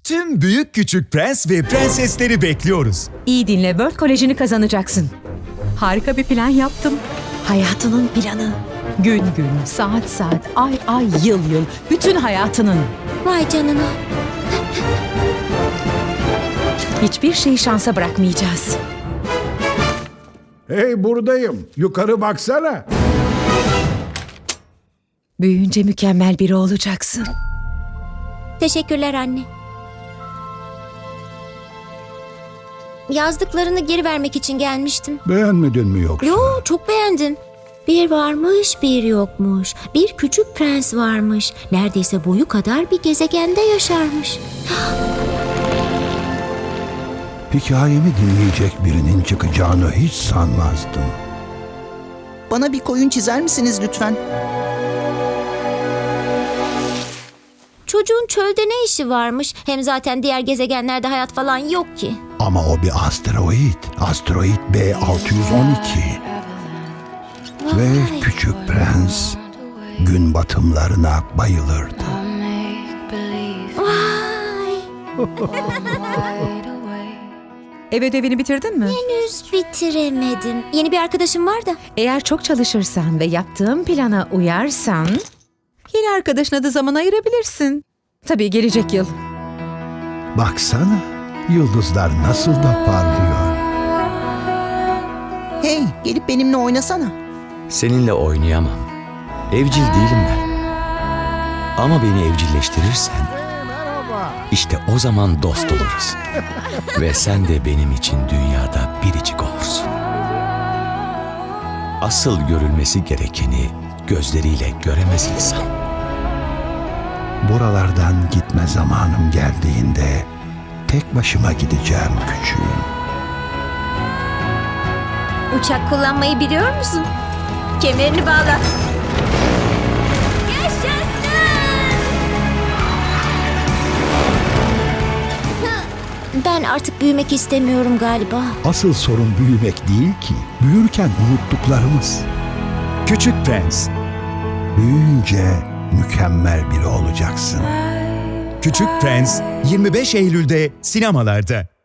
Tüm büyük küçük prens ve prensesleri bekliyoruz. İyi dinle, World Koleji'ni kazanacaksın. Harika bir plan yaptım. Hayatının planı. Gün gün, saat saat, ay ay, yıl yıl. Bütün hayatının. Vay canına. Hiçbir şeyi şansa bırakmayacağız. Hey, buradayım. Yukarı baksana. Büyüyünce mükemmel biri olacaksın. Teşekkürler anne. Yazdıklarını geri vermek için gelmiştim. Beğenmedin mi yoksa? Yo, çok beğendim. Bir varmış, bir yokmuş. Bir küçük prens varmış. Neredeyse boyu kadar bir gezegende yaşarmış. Hikayemi dinleyecek birinin çıkacağını hiç sanmazdım. Bana bir koyun çizer misiniz lütfen? Çocuğun çölde ne işi varmış? Hem zaten diğer gezegenlerde hayat falan yok ki. Ama o bir asteroid. Asteroid B612. Ve Vay. küçük prens gün batımlarına bayılırdı. Vay. Ev ödevini bitirdin mi? Henüz bitiremedim. Yeni bir arkadaşım var da. Eğer çok çalışırsan ve yaptığım plana uyarsan, yeni arkadaşına da zaman ayırabilirsin. Tabii gelecek yıl. Baksana, yıldızlar nasıl da parlıyor. Hey, gelip benimle oynasana. Seninle oynayamam. Evcil değilim ben. Ama beni evcilleştirirsen, işte o zaman dost oluruz. Ve sen de benim için dünyada biricik olursun. Asıl görülmesi gerekeni gözleriyle göremez insan. Buralardan gitme zamanım geldiğinde tek başıma gideceğim küçüğüm. Uçak kullanmayı biliyor musun? Kemerini bağla. Yaşasın! Ben artık büyümek istemiyorum galiba. Asıl sorun büyümek değil ki, büyürken unuttuklarımız. Küçük Prens. Büyüyünce mükemmel biri olacaksın. Küçük Prens 25 Eylül'de sinemalarda.